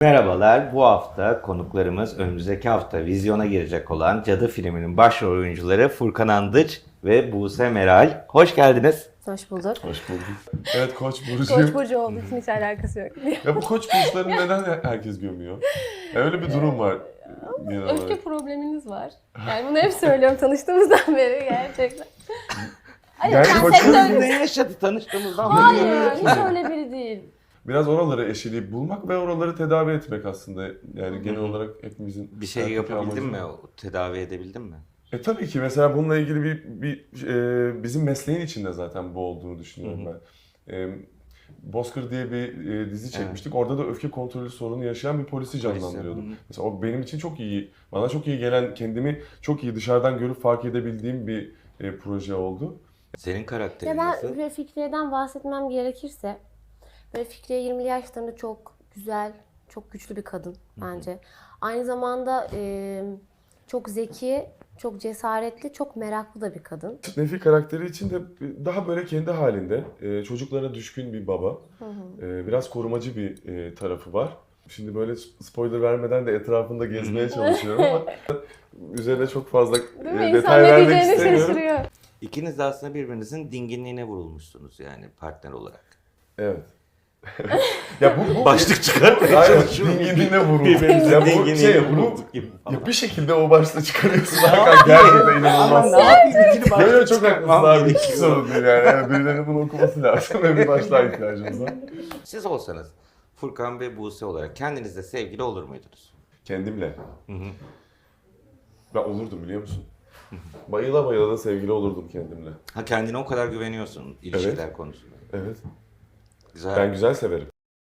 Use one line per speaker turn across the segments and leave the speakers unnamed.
Merhabalar, bu hafta konuklarımız önümüzdeki hafta vizyona girecek olan Cadı filminin başrol oyuncuları Furkan Andıç ve Buse Meral. Hoş geldiniz.
Hoş bulduk.
Hoş bulduk. Evet Koç burcu.
Koç burcu olduğu için hiç alakası yok.
Ya bu Koç burçlarını neden herkes gömüyor? Ya öyle bir durum var genel
Öfke
olarak.
probleminiz var. Yani bunu hep söylüyorum tanıştığımızdan beri gerçekten. Hayır,
Yani
sen
Koç
sektör...
Ne yaşadı tanıştığımızdan beri?
Hayır, hiç öyle biri değil.
Biraz oraları eşeleyip bulmak ve oraları tedavi etmek aslında. Yani genel olarak hepimizin...
Bir şey
hayattaki
yapabildin
amacı.
mi? Tedavi edebildin mi?
Tabii ki mesela bununla ilgili bizim mesleğin içinde zaten bu olduğunu düşünüyorum ben. Bozkır diye bir dizi çekmiştik. Orada da öfke kontrolü sorunu yaşayan bir polisi canlandırıyordum. Mesela o benim için çok iyi, bana çok iyi gelen, kendimi çok iyi dışarıdan görüp fark edebildiğim bir proje oldu.
Senin karakterin
Ya
nasıl?
ben Fikriye'den bahsetmem gerekirse, böyle Fikriye 20'li yaşlarında çok güzel, çok güçlü bir kadın bence. Aynı zamanda çok zeki, çok cesaretli, çok meraklı da bir kadın.
Nefi karakteri için de daha böyle kendi halinde, çocuklara düşkün bir baba. Biraz korumacı bir tarafı var. Şimdi böyle spoiler vermeden de etrafında gezmeye çalışıyorum ama üzerine çok fazla
Değil mi? İnsan
detay
ne
vermek
diyeceğini
istemiyorum.
şaşırıyor.
İkiniz de aslında birbirinizin dinginliğine vurulmuşsunuz yani partner olarak.
Evet. Ya bu
Başlık çıkartmaya
Aynen,
çalışıyorum.
dinginliğine vuruldu.
Birbirimizin
Ya bu
dinginliğine
şey, bu
vurulduk gibi falan.
ya bir şekilde o başta çıkarıyorsun. Hakan gerçekten inanılmaz.
Ne yapayım? İkili başlık
Yok yok, çok haklısın
çıkartmam
abi. Hiç
gerekiyor.
sorun değil yani. Yani birilerinin bunu okuması lazım ve bir başlığa ihtiyacımız var.
Siz olsanız Furkan ve Buse olarak kendinizle sevgili olur muydunuz?
Kendimle. Ben olurdum biliyor musun? Bayıla bayıla da sevgili olurdum kendimle.
Ha, kendine o kadar güveniyorsun ilişkiler konusunda.
Evet.
Güzel.
Ben güzel severim.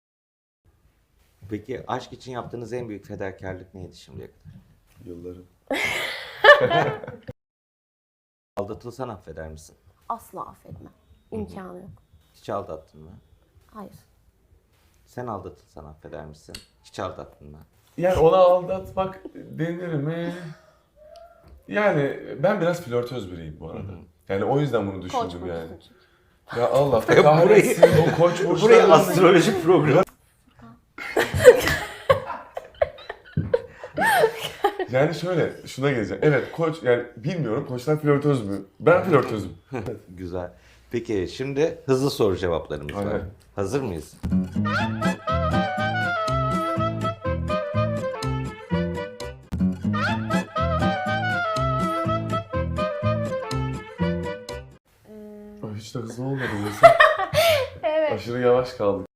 Peki aşk için yaptığınız en büyük fedakarlık neydi şimdiye kadar?
Yıllarım.
Aldatılsan affeder misin?
Asla affetmem. İmkanı yok.
Hiç aldattın mı?
Hayır.
Sen aldatılsan affeder misin? Hiç aldattın mı?
Yani ona aldatmak denir mi? Yani ben biraz flörtöz biriyim bu arada. Yani o yüzden bunu
Koç
düşündüm
burcu
yani.
çünkü.
Ya Allah kahretsin o koç
Buraya
burçlarının...
astroloji programı.
Yani şöyle, şuna geleceğim. Evet koç, yani bilmiyorum koçlar flörtöz mü? Ben flörtözüm.
Güzel. Peki şimdi hızlı soru cevaplarımız var.
Aynen.
Hazır mıyız?
Ay, hiç de hızlı olmadı mesela.
Evet.
Aşırı yavaş kaldık.